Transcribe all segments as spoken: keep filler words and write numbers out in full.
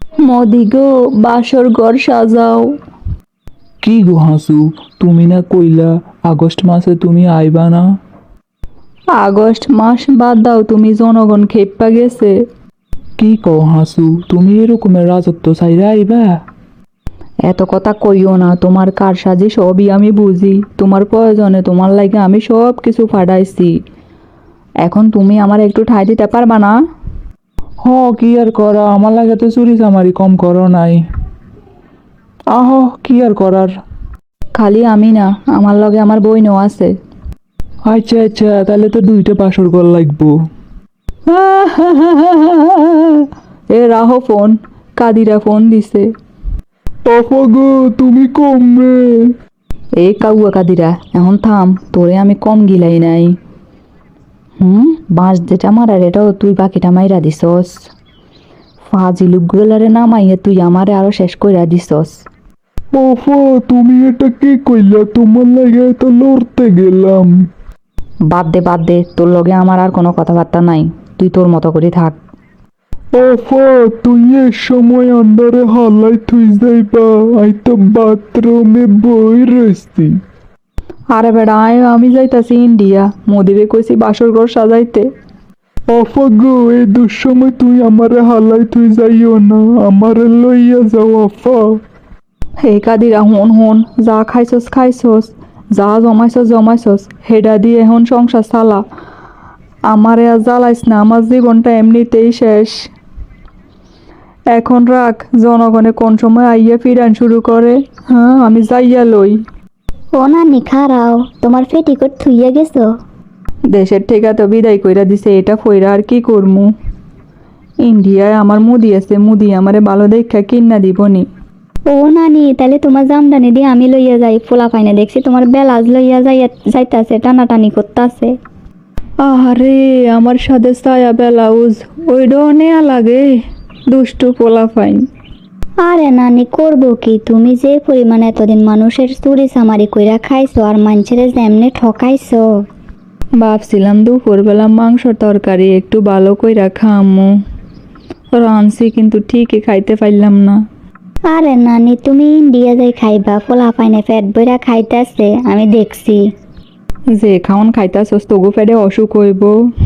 মোদি গো, বাসর ঘর সাজাও। কি গো হাসু, তুমি না কইলা আগস্ট মাসে তুমি আইবা না? আগস্ট মাস বাদ দাও, তুমি জনগণ খেপ্পা গেছে। কি কও হাসু, তুমি এরকমের রাজত্ব চাইরা আইবা? এত কথা কইও না, তোমার কারসাজি সবই আমি বুঝি। তোমার প্রয়োজনে তোমার লাগে আমি সব কিছু ফাটাইছি। এখন তুমি আমার একটু ঠাই দিতে পারবা না? হ, কি আর করা, আমার লাগে তো চুরি চামারি কম করো নাই। আহ, কি আর করার। খালি আমি না, আমার লগে আমার বইনও আছে। আচ্ছা আচ্ছা, তাহলে তো দুইটা বাসর ঘর লাগবো। এ রাহো ফোন, কাদিরা ফোন দিছে। আপা গো, তুমি কমবে। এই কাউয়া কাদিরা, এখন থাম, তোরে আমি কম গিলাই নাই। হুম, বাঁশ যেটা মারার এটাও তুই বাকিটা মাইরা দিছস। ফাজিলুকগুলারে নামাইয়া তুই আমারে আরো শেষ কইরা দিছস। আপা, তুমি এটা কি কইলা? তোমার লাগে তো লড়তে গেলাম। বাদ দে বাদ দে, তোর লগে আমার আর কোনো কথাবার্তা নাই। তুই তোর মতো করে থাক। আপা, তুই এ সময় আন্দারে হালাই থুই যাইবা? আই তো বাথরুমে বই রইছি। আরে বেড়া আয়, আমি যাইতাছি ইন্ডিয়া, মোদিরে কইছি বাসর ঘর সাজাইতে। আপা গো, এই দুঃসময় তুই আমারে হালাই থুই যাইও না, আমারে লইয়া যাও আপা। হে কাদিরা, হন হন, যা খাইছস খাইছস, যা জমাইছস জমাইছস, হেডা দিয়ে এখন সংসার চালা। আমারে আর জ্বালাইস না, আমার জীবনটা এমনিতেই শেষ। এখন রাখ, জনগণে কোন সময় আইয়া ফিরান শুরু করে। হ্যাঁ, আমি যাইয়া লই। ও নানি খারাও, তোমার পেটিকোট থুইয়া গেছো? দেশের থেকে তো বিদায় কইরা দিছে, এটা ফইরা আর কি করমু। ইন্ডিয়ায় আমার মুদি আছে, মুদি আমারে ভালো দেখা কিন্না দিবনি। ও নানি, তাহলে তোমার জামদানি দিয়ে আমি লইয়া যাই। ফোলা পাইনে দেখছি তোমার বেলাজ লইয়া যাইয়া যাইতাছে, টানাটানি করতাছে। আরে আমার সাথে সায়া ব্লাউজ ওইটাও নেয়া লাগে, দুষ্টু পোলা ফাইন। আরে নানি, করবো কি? তুমি যে পরিমাণ এতদিন মানুষের চুরি চামারি কইরা খাইছো আর মানুষের যেমনে ঠকাইছো। ভাবছিলাম দুপুরবেলা মাংস তরকারি একটু ভালো কইরা খামু, রানছি কিন্তু ঠিকই খাইতে পারলাম না। আরে নানি, তুমি ইন্ডিয়া যাই খাইবা, ফোলা পাইনে পেট বইরা খাইতাছে, আমি দেখছি। যে খাওন খাইতাছস তগু ফেডে অসুখ হইব।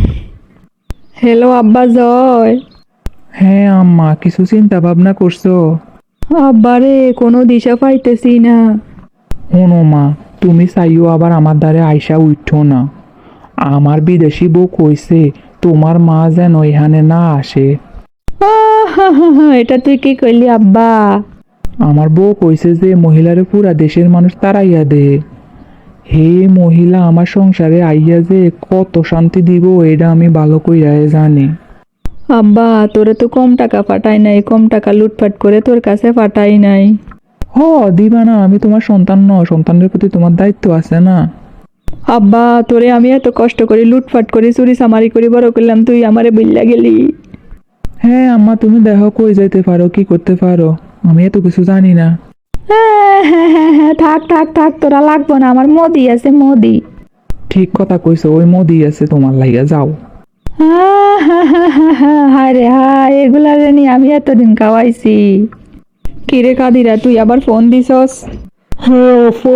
হ্যালো আব্বা জয়। হ্যাঁ আম্মা, কিছু চিন্তা ভাবনা করছো? আব্বারে কোনো দিশা পাইতেছি না। শোনো মা, তুমি চাইও আবার আমার দ্বারে আইসা উঠো না। আমার বিদেশি বউ কইছে তোমার মা যেন এখানে না আসে। আহাহাহা, এটা তুই কি কইলি আব্বা? আমার বউ কইছে যে মহিলারে পুরা দেশের মানুষ তাড়াইয়া দে। হে মহিলা আমার সংসারে আইয়া যে কত শান্তি দিব এটা আমি ভালো কইরা জানি। আব্বা, তোরে তো কম টাকা পাঠাই নাই, কম টাকা লুটপাট করে তোর কাছে পাঠাই নাই। হ, দিবা না, আমি তোমার সন্তান ন, সন্তানের প্রতি তোমার দায়িত্ব আছে না। আব্বা, তোরে আমি এত কষ্ট করি লুটপাট করি চুরি চামারি করি বড় করলাম, তুই আমারে বইল্লা গেলি। হ্যাঁ আম্মা, তুমি দেখো কই যাইতে পারো, কি করতে পারো, আমি এত কিছু জানি না। হ্যাঁ হ্যাঁ হ্যাঁ হ্যাঁ, থাক থাক থাক, তোরা লাগবো না, আমার মোদি আছে মোদি। ঠিক কথা কইছো, ওই মোদি আছে তোমার লাইগা, যাও। হ্যাঁ হ্যাঁ হ্যাঁ হ্যাঁ হ্যাঁ, হায় রে হায়, এগুলা রে নিয়ে আমি এতদিন খাওয়াইছি। কিরে কাদিরা, তুই আবার ফোন দিছস? হ্যাঁ আফা,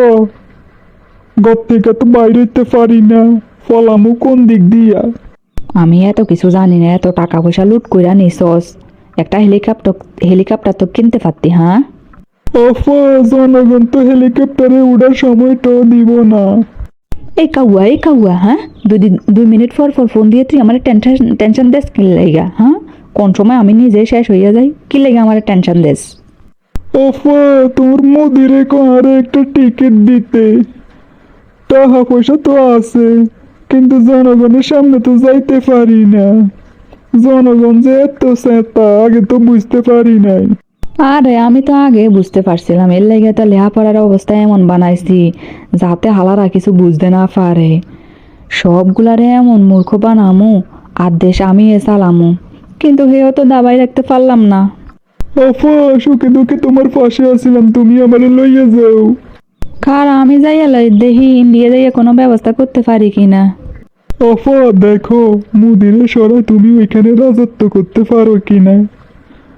ঘর থেকে তো বাইরে যেতে পারি না, ফলামু কোন দিক দিয়া? আমি এত কিছু জানি না, এত টাকা পয়সা লুট কইরা নিছস, একটা হেলিকপ্টার হেলিকপ্টার তো কিনতে পারতি। হ্যাঁ আফা, জনগণ তো হেলিকপ্টারে উড়ার সময়টাও দিব না। এই কাউয়া এই কাউয়া, হ্যাঁ দুই দিন দুই মিনিট পর পর ফোন দিয়ে তুই আমার টেনশন টেনশন দেস কি লেগা? হ্যাঁ, কোন সময় আমি নিজে শেষ হইয়া যাই, কি লেগে আমার টেনশন দেস? আফা, তোর মোদিরে আরে একটা টিকিট দিতে টাকা পয়সা তো আছে, কিন্তু জনগণের সামনে তো যাইতে পারি না। জনগণ যে এত চেতা আগে তো বুঝতে পারি নাই। আরে আমি তো আগে বুঝতে পারছিলাম, এর লেগে তো লেহাপড়ার অবস্থা এমন বানাইছি যাতে হালারা কিছু বুঝতে না পারে। সবগুলারে এমন মূর্খ বানামু আর দেশ আমি এ চালামু, কিন্তু হেও তো দাবাই রাখতে পারলাম না। আফা, সুখে দুঃখে তোমার পাশে আছিলাম, তুমি আমারে লইয়া যাও। কার আমি যাইয়া লই দেখি ইন্ডিয়া যাইয়া কোনো ব্যবস্থা করতে পারি কিনা। আফা দেখো, মুদিরে সরাই তুমি ওইখানে রাজত্ব করতে পারো কিনা।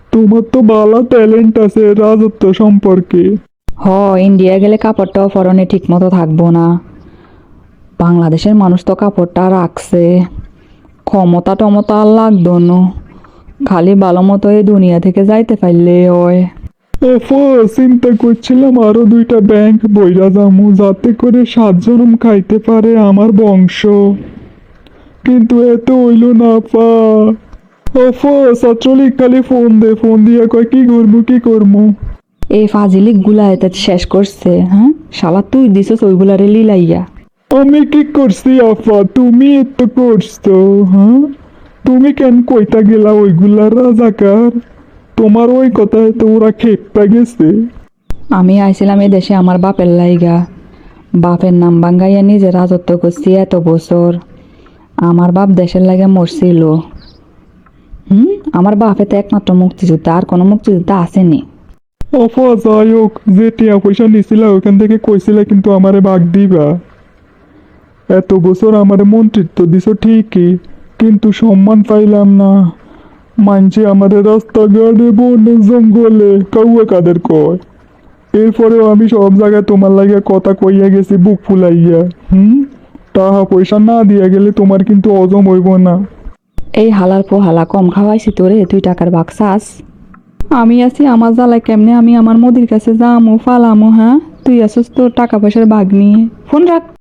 তোমার তো ভালো ট্যালেন্ট আছে রাজত্ব সম্পর্কে। হ, ইন্ডিয়া গেলে কাপড়টাও পরনে ঠিক মতো থাকবো না। বাংলাদেশের মানুষ তো কাপড়টা রাখছে, ক্ষমতা টমতা আর লাগতো না, খালি ভালো মতো এই দুনিয়া থেকে যাইতে পারলে হয়। ওফো, চিন্তা করছিলাম আরো দুইটা ব্যাংক বইরা যামু যাতে করে সাত জনম খাইতে পারে আমার বংশ, কিন্তু এত হইল না পা। ওফো, ছাত্রলীগ খালি ফোন দে, ফোন দিয়া কয় কি করবো কি করবো। এই ফাজিলিক গুলা এতে শেষ করছে। হ্যাঁ, শালা তুই দিছস ওইগুলারে লিলাইয়া। আমি কি করছি আফা, তুমি এত করছো? হ্যাঁ, তুমি কেন কইতা গেলা ওইগুলা রাজাকার? তোমার ওই কথায় তো ওরা খেপা গেছে। আমি আইছিলাম এ দেশে আমার বাপের লাইগা, বাপের নাম বাঙ্গাইয়া নিজে রাজত্ব করছি এত বছর। আমার বাপ দেশের লাগে মরছিল। হুম, আমার বাপে তো একমাত্র মুক্তিযোদ্ধা, আর কোনো মুক্তিযোদ্ধা আসেনি। আফা যাই হোক, যে টিয়া পয়সা নিছিলা ওখান থেকে কইছিলা কিন্তু আমারে ভাগ দিবা। এত বছর আমারে মন্ত্রিত্ব দিছো ঠিকই, কিন্তু সম্মান পাইলাম না। মানছে আমাদের রাস্তাঘাটে বনে জঙ্গলে কাউয়া কাদের কয়। এরপরেও আমি সব জায়গায় তোমার লাগে কথা কইয়া গেছি বুক ফুলাইয়া। হুম, টাকা পয়সা না দিয়া গেলে তোমার কিন্তু হজম হইব না। এই হালার পোহালা কম খাওয়াইছি তোরে, তুই টাকার বাক্সাস। আমি আছি আমার জ্বালায় কেমনে আমি আমার মোদির কাছে যামু ফালামু? হ্যাঁ, তুই আসিস তোর টাকা পয়সার বাঘ নিয়ে। ফোন রাখ।